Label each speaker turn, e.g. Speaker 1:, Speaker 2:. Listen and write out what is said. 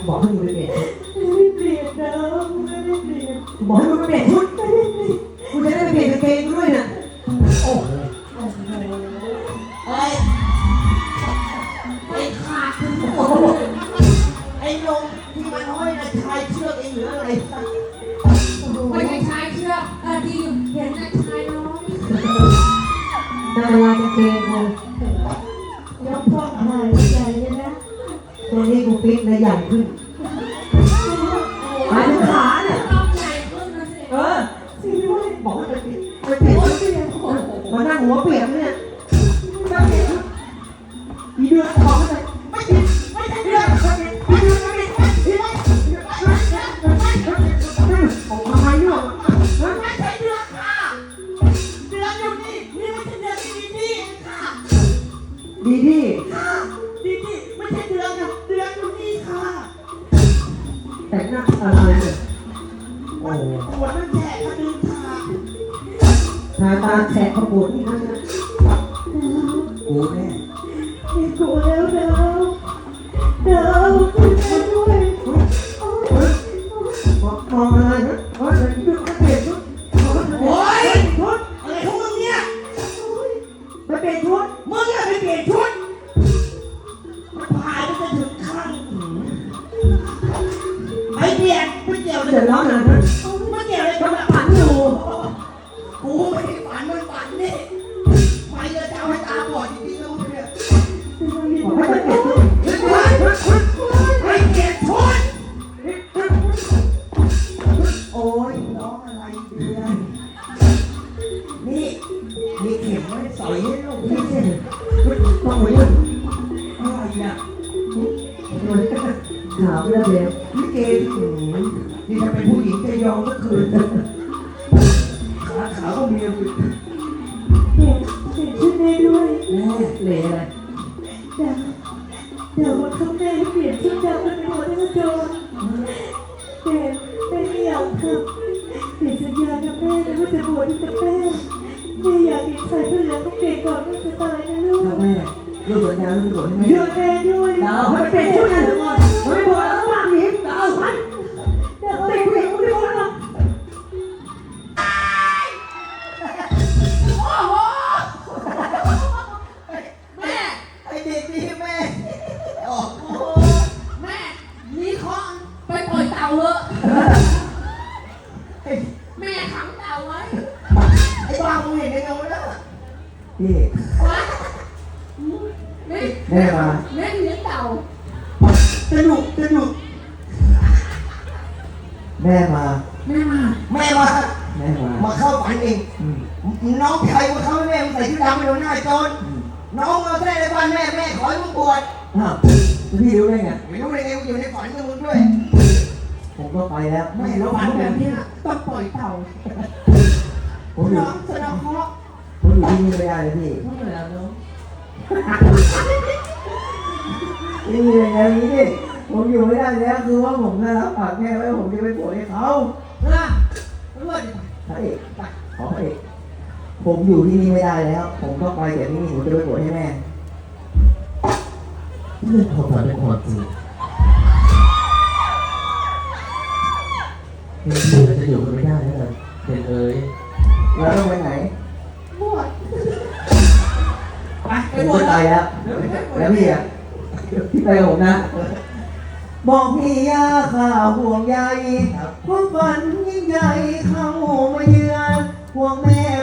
Speaker 1: บอกให้มึงไปเปลี่ยน
Speaker 2: ไม่เปลี่ยนนะไม่ได้เปลี่ยน
Speaker 1: บอกให้มึงไปเปลี่ยนชุดกูจะได้ไปเปลี่ยนกางเกงด้วยนะโอ้โห
Speaker 3: เฮ้ยไอ้ขาดไอ้ลงที่มันห้อยนะชายเชือกเองหรืออะไร
Speaker 2: ไม่ใช่ชายเชือกที่เห็นนะชายน้อย
Speaker 1: นาวากางเกงกู
Speaker 2: ยกพวกหายใหญ่เลยนะ
Speaker 1: ตัวนี้กูปิ๊กเลยใหญ่ขึ้นหายถึงขาเนี่ย
Speaker 2: สิด้วย
Speaker 1: บอกให้ไปเปลี่ยนไปเปลี่ยนชุดมานั่งหัวเปียกเนี่ยนั่งเปลี่ยนชุดอีเดือนบอกให้ไปไม่ผิดไม่ใช่เดือนไม่ผิดไม่ผิดไม่ผิดออกมาไม่รู้
Speaker 3: ไม่ใช่เดือนค่ะเดือนอยู่นี่นี่ไม่ใช่เดือนดีดีค่ะ
Speaker 1: ดีดี
Speaker 3: ดีดีไม่ใช่เดือนอยู่เดือนอยู่นี่ค่ะ
Speaker 1: แต่งหน้าอะไรเนี่ยโอ้โห
Speaker 3: ปวดนั่นแฉะกระดึงค่ะ
Speaker 1: ทาตาแฉะขบวนนี่นะกูแน่
Speaker 2: มีกูแล้วเดาวช่วยด้วย
Speaker 1: มองอะไรนะเฮ้ยชุดเปลี่ยนชุด
Speaker 3: โอ้ย
Speaker 1: ชุด
Speaker 3: อะไรของมึงเนี่ย
Speaker 1: ไปเปลี่ยนชุด
Speaker 3: มึงอะไปเปลี่ยนชุดมันพายมันจะถึงข้างไอ้เปลี่ยนไม่เกี่ยวเลย
Speaker 1: เสร็จแล้วนะ
Speaker 3: ไม่เกี่ยวเลย
Speaker 1: มันฝันอยู่
Speaker 3: กูไม่ได้ฝันมันฝันนี่ไม่จะเอาให้ตาบอดจริงๆแล้วมึงเนี่ย
Speaker 1: บอกให้ไปเปลี่ยนชุด
Speaker 3: ไม่เปลี่ยนชุดโอ้ยน้องอะไรเดือนนี่มีเข็มไม่ใส่ให้ลูกพี่เช่น
Speaker 1: ต้องไปยืน
Speaker 3: อะไรอ่ะ
Speaker 1: ถามเรื่องเดียว
Speaker 3: พี่เกย์นี่ถ้าเป็นผู้หญิงจะยอมก็คืนขาขาวก็มีอยู่
Speaker 2: เปลี่ยนชุดได้ด้วย
Speaker 3: แม่
Speaker 1: เหล่อะไร
Speaker 2: เดี๋ยววันข้างหน้าเปลี่ยนชุดดำเป็นหัวหน้าโจรแต่ไม่อยากทำเปลี่ยนสัญญากับแม่นะว่าจะบวชกับแม่ไม่อยากเห็นใครเพื่อนต้องเปลี่ยนก่อนว่าจะตายนะลูก
Speaker 1: ถ้าแม่ลูกสัญญาลูกสัญญาให้แม่
Speaker 2: เยอะแม่ด้วย
Speaker 1: ดาวให้เปลี่ยนชุดนะทุกคนไม่บอกแล้วว่าหนีดาวมัน
Speaker 2: เดี๋ยวเปลี่ยนชุดไม่หมดหรอก
Speaker 3: โอ้โหแม่ไอเด็กนี่แม่โอ้โหแม่นี่คอนไปปล่อยเต่าเหอะแม่ขังเต่าไว้ไอ้บ้ามึงเห็นได้ไงวะเนี่ย
Speaker 1: พี่
Speaker 3: แม่
Speaker 1: มา
Speaker 3: แม่เลี้ยงเต่าสนุก
Speaker 1: แม่มา
Speaker 3: แม่มา มาเข้าฝันเองน้องชายมาเข้าแม่ใส่ชุดดำไปโดนหน้าโจรน้องมาแสดงในวันแม่ขอให้มึงบวช
Speaker 1: อ้าวพี่รู้ได้ไง
Speaker 3: ไม่รู้เลยไงอยู่ในฝันกับมึงด้วย
Speaker 1: ผมก็ไปแล้ว
Speaker 3: ไม่รู้ฝันแบบนี้ต้องปล่อยเต่า
Speaker 1: ผมอยู่
Speaker 3: น้องแสดงเคราะห์
Speaker 1: ผมอยู่ที่นี่ไม่ได้เลยพี่
Speaker 3: เท่าไหร่แล้วน้อง
Speaker 1: นี่อย่างนี้ผมอยู่ไม่ได้แล้วคือว่าผมได้รับปากแม่ไว้ผมจะไปโผล่ให้เขา
Speaker 3: นะรู้ว่า
Speaker 1: พระเอกขอพระเอกผมอยู่ที่นี่ไม่ได้แล้ว ผมก็ไปเดี๋ยวนี้ผมจะไปโผล่ให้แม่เรื่องความฝันเป็นความจริงเห็นพี่เราจะอยู่กันไม่ได้แล้วเห็นเลยแล้วต้องไปไหน
Speaker 3: บวชไป
Speaker 1: ผม
Speaker 3: บวช
Speaker 1: ไปแล้วแล้วพี่อ่ะพี่ไปกับผมนะบอกพี่ยาข่าวห่วงใยความฝันยิ่งใหญ่เข้ามาเยือนห่วงแม่